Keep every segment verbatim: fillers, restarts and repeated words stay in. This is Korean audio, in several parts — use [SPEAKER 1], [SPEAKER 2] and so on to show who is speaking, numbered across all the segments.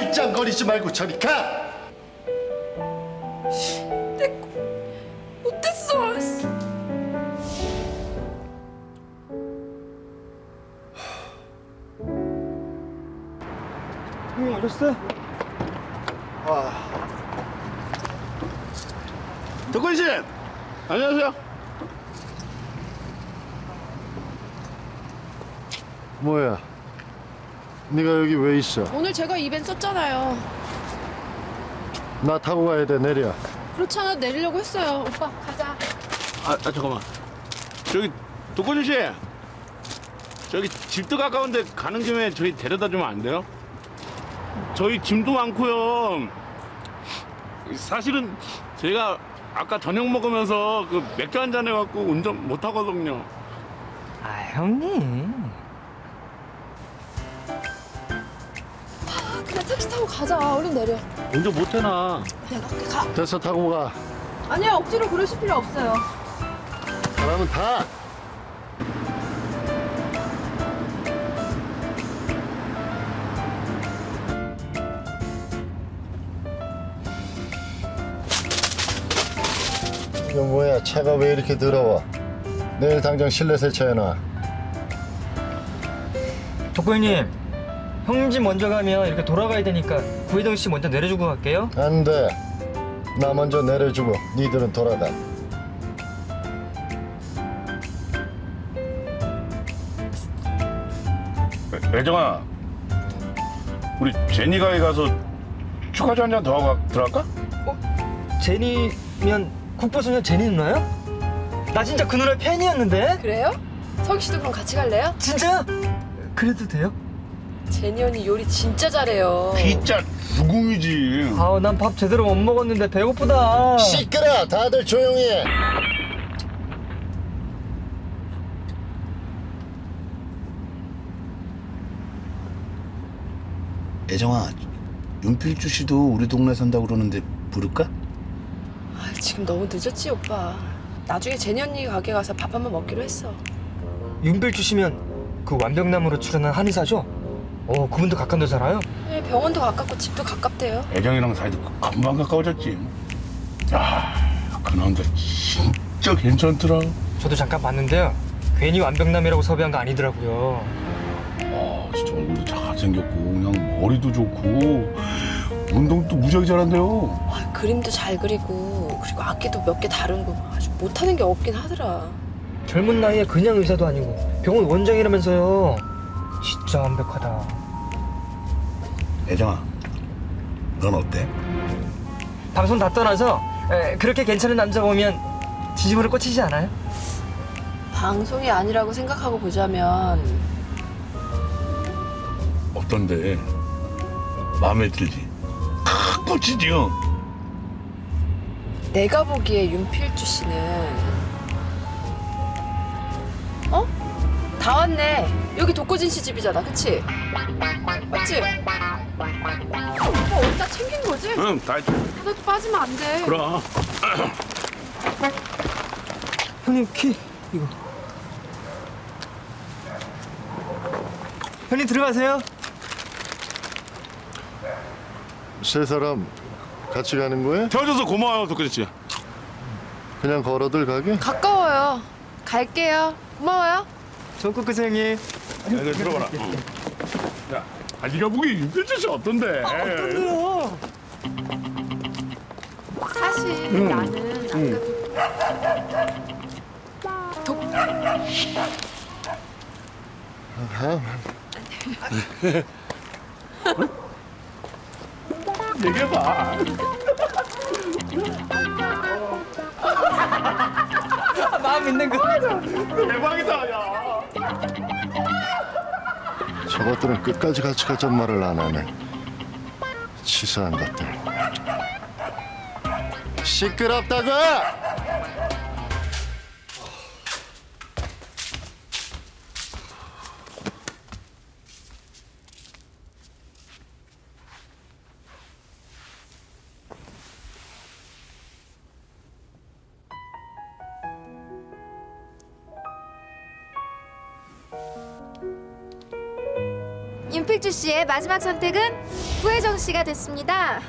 [SPEAKER 1] 말짱거리지 말고 저리 가!
[SPEAKER 2] 못했어.
[SPEAKER 3] 형님 오셨어요?
[SPEAKER 4] 덕훈 씨, 안녕하세요.
[SPEAKER 1] 뭐야? 네가 여기 왜 있어?
[SPEAKER 2] 오늘 제가 이벤 썼잖아요.
[SPEAKER 1] 나 타고 가야 돼. 내려.
[SPEAKER 2] 그렇잖아. 내리려고 했어요. 오빠 가자.
[SPEAKER 4] 아, 아 잠깐만. 저기 덕훈 씨, 저기 집도 가까운데 가는 김에 저희 데려다 주면 안 돼요? 저희 짐도 많고요. 사실은 제가 아까 저녁 먹으면서 그 맥주 한잔 해갖고 운전 못 하거든요.
[SPEAKER 3] 아 형님.
[SPEAKER 2] 아, 그냥 택시 타고 가자. 얼른 내려.
[SPEAKER 4] 운전 못 해나?
[SPEAKER 2] 내가 갈게. 가.
[SPEAKER 1] 됐어, 타고 가.
[SPEAKER 2] 아니야. 억지로 그러실 필요 없어요.
[SPEAKER 1] 사람은 타. 이거 뭐야? 차가 왜 이렇게 더러워? 내일 당장 실내 세차해놔.
[SPEAKER 3] 덕구 형님. 형님 집 먼저 가면 이렇게 돌아가야 되니까 구혜동 씨 먼저 내려주고 갈게요.
[SPEAKER 1] 안 돼. 나 먼저 내려주고 니들은 돌아가.
[SPEAKER 4] 애정아, 우리 제니가에 가서 축하주 한 잔 더 하고 들어갈까?
[SPEAKER 3] 제니면 국보소년 제니 누나요? 나 진짜 그 누나 팬이었는데.
[SPEAKER 2] 그래요? 석희 씨도 그럼 같이 갈래요?
[SPEAKER 3] 진짜? 그래도 돼요?
[SPEAKER 2] 제니 언니 요리 진짜 잘해요.
[SPEAKER 4] 진짜 누궁이지.
[SPEAKER 3] 아우 난 밥 제대로 못 먹었는데 배고프다.
[SPEAKER 1] 시끄러. 다들 조용히 해.
[SPEAKER 5] 애정아, 윤필주 씨도 우리 동네 산다고 그러는데 부를까?
[SPEAKER 2] 아, 지금 너무 늦었지 오빠. 나중에 제니 언니 가게 가서 밥 한 번 먹기로 했어.
[SPEAKER 3] 윤필 주시면 그 완벽남으로 출연한 한의사죠? 어 그분도 가까운데 살아요?
[SPEAKER 2] 네, 병원도 가깝고 집도 가깝대요.
[SPEAKER 4] 애정이랑 사이도 금방 가까워졌지. 야, 그 남자 진짜 괜찮더라.
[SPEAKER 3] 저도 잠깐 봤는데요. 괜히 완벽남이라고 섭외한 거 아니더라고요.
[SPEAKER 4] 아, 진짜 얼굴도 잘생겼고 그냥 머리도 좋고 운동도 무지하게 잘한대요.
[SPEAKER 2] 아, 그림도 잘 그리고 그리고 악기도 몇 개 다루고 아주 못하는 게 없긴 하더라.
[SPEAKER 3] 젊은 나이에 그냥 의사도 아니고 병원 원장이라면서요. 진짜 완벽하다.
[SPEAKER 5] 애정아, 넌 어때?
[SPEAKER 3] 방송 다 떠나서 에, 그렇게 괜찮은 남자 보면 진심으로 꽂히지 않아요?
[SPEAKER 2] 방송이 아니라고 생각하고 보자면
[SPEAKER 4] 어떤데? 마음에 들지? 크, 꽂히지요?
[SPEAKER 2] 내가 보기에 윤필주 씨는 어? 다 왔네. 여기 독고진 씨 집이잖아, 그치? 맞지? 오빠 어디다 챙긴 거지?
[SPEAKER 4] 응, 다 했지.
[SPEAKER 2] 하나도 빠지면 안 돼.
[SPEAKER 4] 그럼.
[SPEAKER 3] 형님 키 이거. 형님 들어가세요.
[SPEAKER 1] 세 사람 같이 가는 거야?
[SPEAKER 4] 태워줘서 고마워요, 덕근 씨.
[SPEAKER 1] 그냥 걸어들 가게?
[SPEAKER 2] 가까워요. 갈게요. 고마워요.
[SPEAKER 3] 좋은 꿈 꾸세요 형님.
[SPEAKER 4] 야, 이거 들어봐라. 응. 야, 아, 네가 보기 윤필주 씨 어떤데?
[SPEAKER 3] 어떤데요?
[SPEAKER 2] 사실 나는 아까도 독...
[SPEAKER 4] 얘기해봐.
[SPEAKER 3] 아, 마음 있는 거.
[SPEAKER 4] 대박이다, 야.
[SPEAKER 1] 저것들은 끝까지 같이 가자는 말을 안 하네. 치사한 것들. 시끄럽다고!
[SPEAKER 6] 윤필주 씨의 마지막 선택은 구혜정 씨가 됐습니다.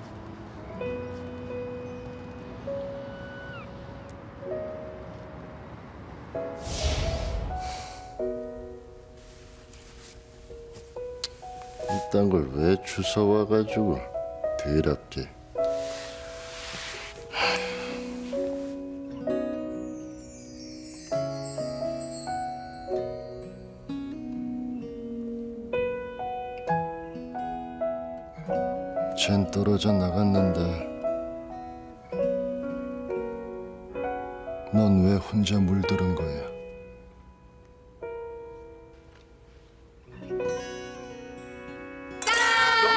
[SPEAKER 1] 이딴 걸 왜 주워와가지고 더럽게. 쟨 떨어져 나갔는데 넌 왜 혼자 물들은 거야?